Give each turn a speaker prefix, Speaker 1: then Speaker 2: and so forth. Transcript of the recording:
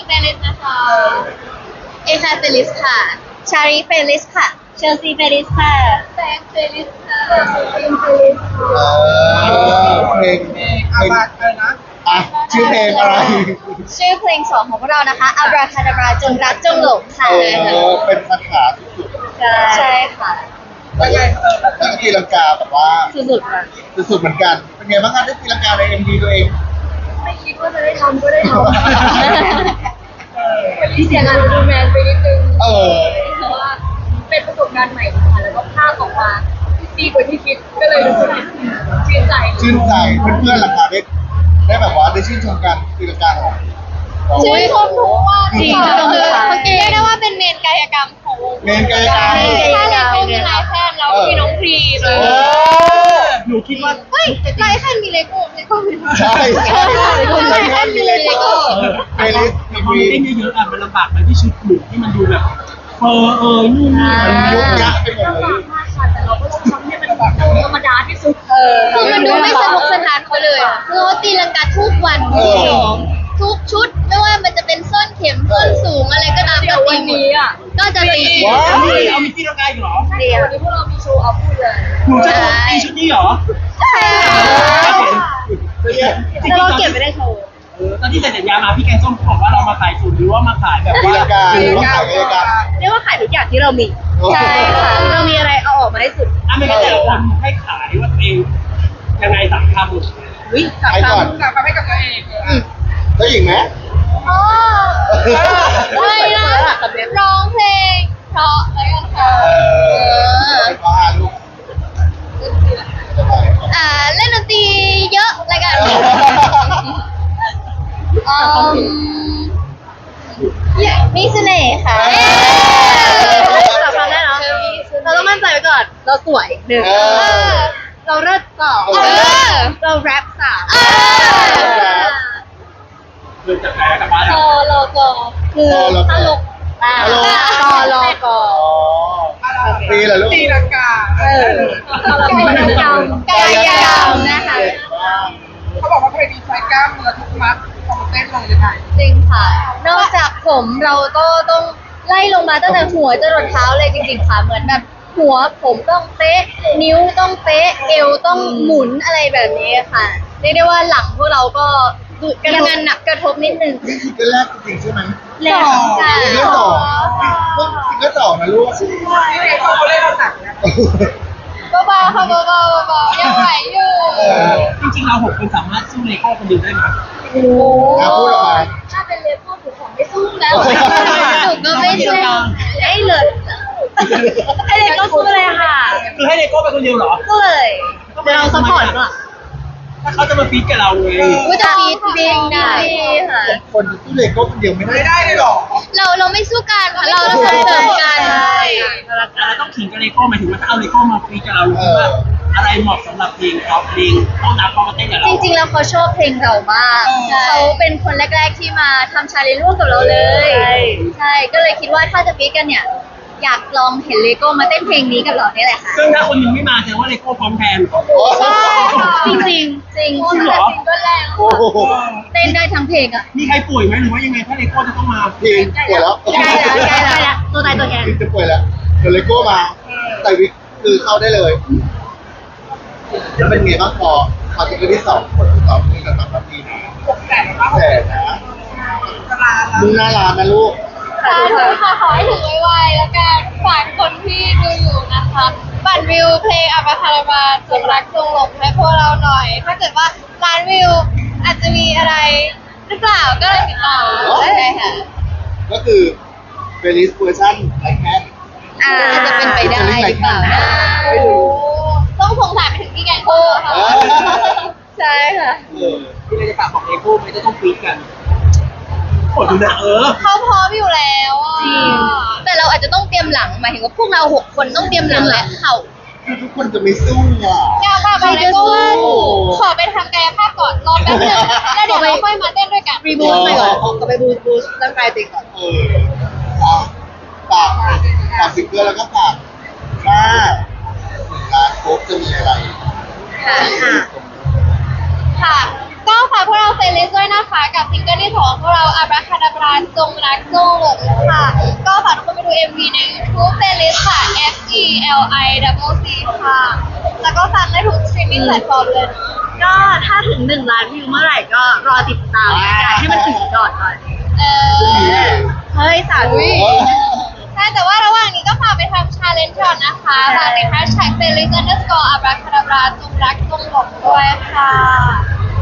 Speaker 1: เฟลิสนะคะเอชาเฟลิสค่ะชารีเฟลิสค่ะเชลซีเฟลิสค่ะแซงเฟลิสค่ะฟิล์มเฟลิสค่ะ
Speaker 2: เพลงอาบาดอะไรนะอ่ะชื่อเพลงอะไร
Speaker 1: ชื่อเพลง2ของพวกเรานะคะอับราคาดาบราจงรักจงหลงค่ะ
Speaker 2: เป็นคาถาสุด
Speaker 1: ใช่ค่ะ
Speaker 2: ๆแล้วไงแล้วตีลังกาแบบว่า
Speaker 1: สุดๆค่ะ
Speaker 2: สุดๆเหมือนกันเป็นไงบ้างคะได้ตีลังกาใน MV ตัวเอง
Speaker 1: ไม่คิดว่าจะได้ทำก็ได้ทำวันนี้เสียงานดูแมนไปนิดนึงเพราะว่าเป็นประสบการณ์ใหม่ค่ะแล้วก็ภาพออกมาดีกว่าที่คิดก็เลยรู้สึกชื่นใจ
Speaker 2: เพื่อนๆหลังคาได้แบบว่าได้ชื่นชมกันตีลังกาของ
Speaker 1: ชื่นชมทุกว่าจริงคือเมื่อกี้เรียกได้ว่าเป็นเมนกายกรรมของวง
Speaker 2: เมนกายกรรม
Speaker 1: ถ้าเลโก้มีลายแพนแล้วมีน้องพรีเลย
Speaker 3: หนูคิดว่า
Speaker 1: เฮ้ยลายแพนมีเลโก้มี
Speaker 2: ใช่
Speaker 1: ลายแพนมีเลโก้
Speaker 2: เพลย์ลิสต์
Speaker 3: พอมันเต้นเยอะๆอ่ะมันลำบากไปที่ชุดหนูที่มันดูแบบนู่นนี่
Speaker 2: มันยุบยักไปหมดเลย
Speaker 1: แต่เราก็ต้องทำให้มันแบบธรรมดาที่สุดคือมันดูไม่สนุกสนานเขาเลยคือเขาตีลังกาทุกวันทุกชุดไม่ว่ามันจะเป็นส้นเข็มส้นสูงอะไรก็ตามก็ตีนี้อ่ะก็จะตี
Speaker 3: เอามีตีลังกาอยู่เหรอ
Speaker 1: เดี๋ยววันนี้พวกเรามีโชว์เอาพูดเลย
Speaker 3: หนูจะตีชุดนี้เหรอ
Speaker 1: ใช่
Speaker 3: จริงๆเรา
Speaker 1: เก็บไม่ได้โชว์
Speaker 3: ตอนที่เซ็นสัญญามาพี่แกงส้มบอกว่าเรามาขายสูตรหรือว่ามาขายแบบว่า
Speaker 2: หรือว่าขายเองกัน
Speaker 1: เรียกว่าขายทุกอย่างที่เรามีใช่ค่ะเรามีอะไรเอาออกมาได้สุด
Speaker 3: ไม่งั้นแต่ละคนให้ขายว่าตัวเองยังไง3 คำ
Speaker 1: วิ่ง3 คำ
Speaker 3: ให้กับตัวเอง
Speaker 2: เจ้าหญิงไหม
Speaker 1: ไม่นะร้องเพลงเพราะอะไรกันค่ะเล่นดนตรีเยอะอะไรกันมีเสน่ห์ค่ะสำคัญแน่เนาะเราต้องมั่นใจไว้ก่อนเราสวย1เราเลิศ2เราแรป3
Speaker 3: คือจะแพ้กับบ้าน
Speaker 1: เราคือตลก
Speaker 2: ตีเหรอลูก
Speaker 3: ตีลังกาก
Speaker 1: ายกรรมนะคะ
Speaker 3: เขาบอกว่าเพลงนี้ใช้กล้ามเนื้อทุกมัดของเต้นลงยังไง
Speaker 1: จริงค่ะนอกจากผมเราก็ต้องไล่ลงมาตั้งแต่หัวจรดเท้าเลยจริงๆค่ะเหมือนแบบหัวผมต้องเป๊ะนิ้วต้องเป๊ะเอวต้องหมุนอะไรแบบนี้ค่ะเรียกได้ว่าหลังพวกเราก็ยังงานหนักกระทบนิดนึง
Speaker 2: นี่ซิงเกิลแรกจริงใช่ไหม
Speaker 1: แล้วค่ะ
Speaker 2: ซิงเกิล2นะลูก
Speaker 3: นี่เด็กเขาเล่นหนักนะ
Speaker 1: เบาๆค่ะเบาๆยังไหวอยู่
Speaker 3: จริงๆเรา6 คนสามารถสู้เลโก้คนเดียวได้ไหม
Speaker 1: โอ้ถ้าเป็นเลโก้หนูของไม่สู้แล้วหนูก็ไม่สู้ให้เลยให้เลโก้สู้เลยค่ะ
Speaker 3: คือให้เลโก้ไปคนเดียวเหรอ
Speaker 1: สู้เลยเดี๋ยวเราซัพพอร์ตก่อน
Speaker 3: ถ้าเขาจะมาฟีดกับเราเลย
Speaker 1: ก็จะฟีดได้ค่ะ
Speaker 2: คนสู้เลโก้คนเดียวไม่ได้เลยหรอ
Speaker 1: เราไม่สู้กันค่ะเราเสริมกัน
Speaker 3: เราต้องขิงกับเลโก้หมายถึงว่าถ้าเอาเลโก้มาฟีดกับเราหรือว่าอะไรเหมาะสำหรับเพลงเขาเพลงต้องนับเขามาเต้นกับเรา
Speaker 1: จริงๆแล้วเขาชอบเพลงเรามากเขาเป็นคนแรกๆที่มาทำชาเลนจ์ร่วมกับเราเลยใช่ก็เลยคิดว่าถ้าจะฟีดกันเนี่ยอยากลองเห็นเลโก้มาเต้นเพลงนี้กับเราเนี่ยแหละค่ะ
Speaker 3: ซึ่งถ้าคนนึงไม่มาแสดงว่าเลโก้พร้อมแทน
Speaker 1: ใช่จริง
Speaker 3: เหรอ
Speaker 1: ก็แรงเต้นได้ทั้งเพลงอ่ะ
Speaker 3: มีใครป่วยไหมหรือว่ายังไงถ้าเลโก้จะต้องมา
Speaker 2: เพลงป่วยแล้ว
Speaker 1: ได้แล้วตัวตายตัวแทน
Speaker 2: จะป่วยแล้วเดี๋ยวเลโก้มาใส่วิกคือเข้าได้เลยแล้วเป็นไงบ้างพอซิงเกิลที่2คนที่2มีกันแบบนี้นะแต่นะมึงน่ารักนะลูก
Speaker 1: ค่ะขอให้ถึงไวๆแล้วกันฝากคนที่ดูอยู่นะคะบัตรวิวเพลงอัปคาราบาจงรักจงหลงให้พวกเราหน่อยถ้าเกิดว่าล้านวิวอาจจะมีอะไรหรือเปล่าก็เลยติดต่อได้ค่ะ
Speaker 2: ก็คือเบลิสเวอร์ชันไลแคน
Speaker 1: อาจจะเป็นไปได้หรือเปล่านะ
Speaker 2: ไม่รู้
Speaker 1: ต้องสงสารไปถึงพี่แกงโก้ค่ะใช่ค่ะ
Speaker 3: ที่เราจะฝากบอกเลโก้ไม่ต้องฟีดกันกดดูนะ
Speaker 1: เขาพร้อมอยู่แล้วจริงแต่เราอาจจะต้องเตรียมหลังหมายถึงว่าพวกเรา6 คนต้องเตรียมหลังและเข่า
Speaker 2: ทุกคนจะไม่สู้
Speaker 1: อยากไปเลโก้ขอไปทำกายภาพก่อนรอแป๊บนึงแล้วเดี๋ยวเราค่อยมาเต้นด้วยกัน
Speaker 2: รีบูทไปก่อนก็ไปบูทร่างกายตัวเองก่อนฝากซิงเกิลแล้วก็ฝากว่าการโค้ชจะมีอะไร
Speaker 1: ค่ะก็ฝากพวกเราเฟลิสด้วยนะคะกับซิงเกิลที่2ของพวกเราอาบราคาดาบราจงรักจงหลงค่ะก็ฝากทุกคนไปดู MV ใน YouTube เฟลิสค่ะ FELICC ค่ะแล้วก็ฟังได้ทุก streaming platform เลยก็ถ้าถึง1 ล้านวิวเมื่อไหร่ก็รอติดตามกันให้มันถึงก่อนเฮ้ยสาธุใช่แต่ว่าระหว่างนี้ก็ฝากไปทำ challenge ก่อนนะคะฝากติด hashtag #felis_abracadabra จงรักจงหลงด้วยค่ะ